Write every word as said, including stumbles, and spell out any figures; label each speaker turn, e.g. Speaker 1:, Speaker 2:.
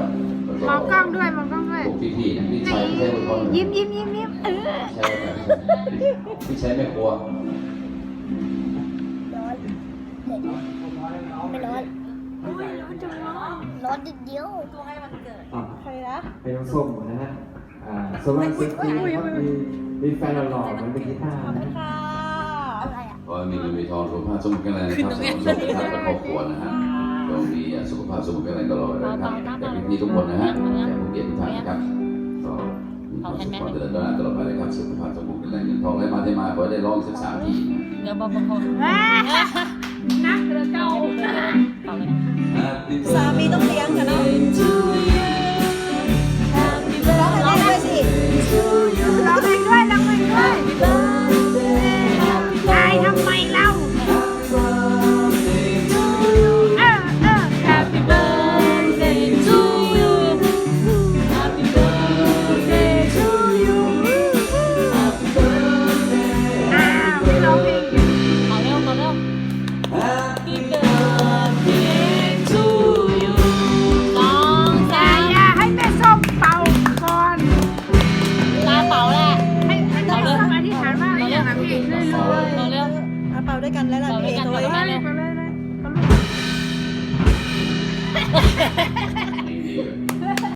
Speaker 1: นะครับ
Speaker 2: มองกล้องด้วยมองกล้องด้วย
Speaker 1: พวกพี่ๆพี่ชายไม่ใช่คน
Speaker 2: ยิ้มยิ้มยิ้มยิ้มเออ
Speaker 1: ใช่ครับพี่ใช้ไม่กลัว
Speaker 3: ร้อนเด็ดไม่ร้อน
Speaker 2: โอ้ยร้อนจังร้อน
Speaker 3: ร้อนนิดเดียว
Speaker 2: ใครนะ
Speaker 4: เป็นน้องส้มนะฮะอ่าโซลาร์เซ็ตตี้ครับมีมีแฟนหล่อๆเหมือนเป็นกีตาร์นะ
Speaker 2: ค่ะ
Speaker 3: อะไรอ่ะ
Speaker 1: ขอให้มีเงินมีทองสุขภาพสมบูรณ์แข็งแรงนะครับสมบูรณ์สุขภาพและครอบครัวนะฮะต้องมีสุขภาพสมบูรณ์แข็งแรงตลอดเลยนะครับจากพี่ๆทุกคนนะฮะจากผู้เกียรติทุกท่านนะครับก็มีความสุขความเจริญก้าวหน้าตลอดไปเลยครับสุขภาพสมบูรณ์แข็งแรงเงินทองได้มาได้มาขอให้ได้ร้องสักสามที
Speaker 5: เดี๋ยวบอกบางคน
Speaker 2: นักเรือเก่า
Speaker 5: เป่าเลย
Speaker 1: Happy
Speaker 2: สามีต้องเลี้ยงกันเนาะ
Speaker 1: birthday to